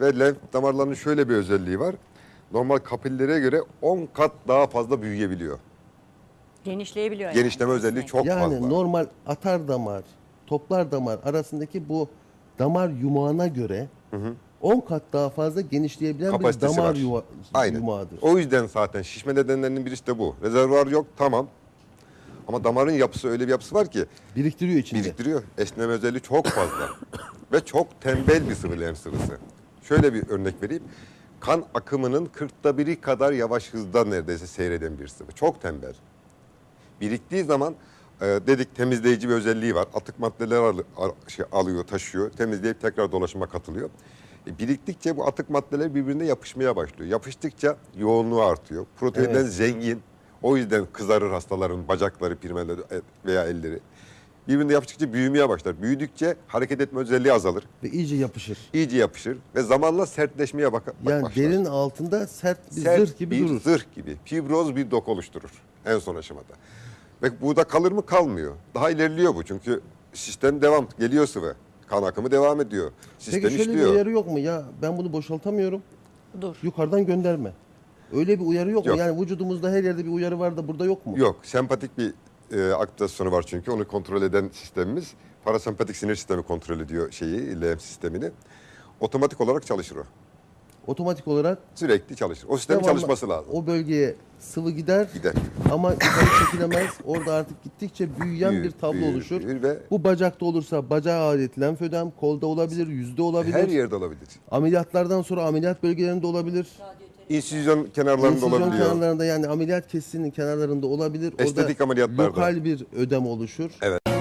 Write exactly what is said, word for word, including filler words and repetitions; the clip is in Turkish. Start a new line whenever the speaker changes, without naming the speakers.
Ve lenf damarlarının şöyle bir özelliği var. Normal kapillere göre on kat daha fazla büyüyebiliyor.
Genişleyebiliyor.
Genişleme
yani.
özelliği çok
Yani
fazla.
normal atar damar, toplar damar arasındaki bu damar yumağına göre on kat daha fazla genişleyebilen bir
Kapasitesi
damar
var.
yuva,
Aynen.
yumağıdır.
O yüzden zaten şişme nedenlerinin birisi de bu. Rezervuar yok, tamam. Ama damarın yapısı öyle bir yapısı var ki
Biriktiriyor içinde.
biriktiriyor. Esneme özelliği çok fazla. Ve çok tembel bir sıvı, lenf sıvısı. Şöyle bir örnek vereyim. Kan akımının kırkta biri kadar yavaş hızda neredeyse seyreden bir sıvı. Çok tembel. Biriktiği zaman e, dedik temizleyici bir özelliği var. Atık maddeler al, al- şey, alıyor, taşıyor. Temizleyip tekrar dolaşıma katılıyor. E, biriktikçe bu atık maddeler birbirine yapışmaya başlıyor. Yapıştıkça yoğunluğu artıyor. Proteinden
Evet.
zengin. O yüzden kızarır hastaların bacakları, pirmeleri veya elleri. Birbirine yapıştıkça büyümeye başlar. Büyüdükçe hareket etme özelliği azalır.
Ve iyice yapışır.
İyice yapışır ve zamanla sertleşmeye bak
Yani
başlar.
derinin altında sert bir
Sert
zırh gibi
bir
durur.
zırh gibi. Fibroz bir doku oluşturur en son aşamada. Ve burada kalır mı? Kalmıyor. Daha ilerliyor bu çünkü sistem devam. Geliyor sıvı. Kan akımı devam ediyor. Sistem
Peki şöyle
işliyor.
bir uyarı yok mu? Ya ben bunu boşaltamıyorum.
Dur.
Yukarıdan gönderme. Öyle bir uyarı yok,
Yok.
mu? Yani vücudumuzda her yerde bir uyarı var da burada yok mu?
Yok. Sempatik bir e, aktivasyonu var çünkü. Onu kontrol eden sistemimiz. Parasempatik sinir sistemi kontrol ediyor şeyi, lenf sistemini. Otomatik olarak çalışır o.
Otomatik olarak
Sürekli çalışır. O sistemin
devamlı
çalışması lazım.
o bölgeye sıvı gider,
Gider.
ama yukarı çekilemez. Orada artık gittikçe büyüyen
Büyür,
bir tablo
büyür,
oluşur.
büyür ve
Bu bacakta olursa bacağa ait lenfödem, kolda olabilir, yüzde olabilir.
her yerde olabilir.
Ameliyatlardan sonra ameliyat bölgelerinde olabilir.
İnsüzyon kenarlarında
İnsüzyon
olabiliyor.
kenarlarında, yani ameliyat kesisinin kenarlarında olabilir.
Estetik
Orada
ameliyatlarda.
lokal bir ödem oluşur.
Evet.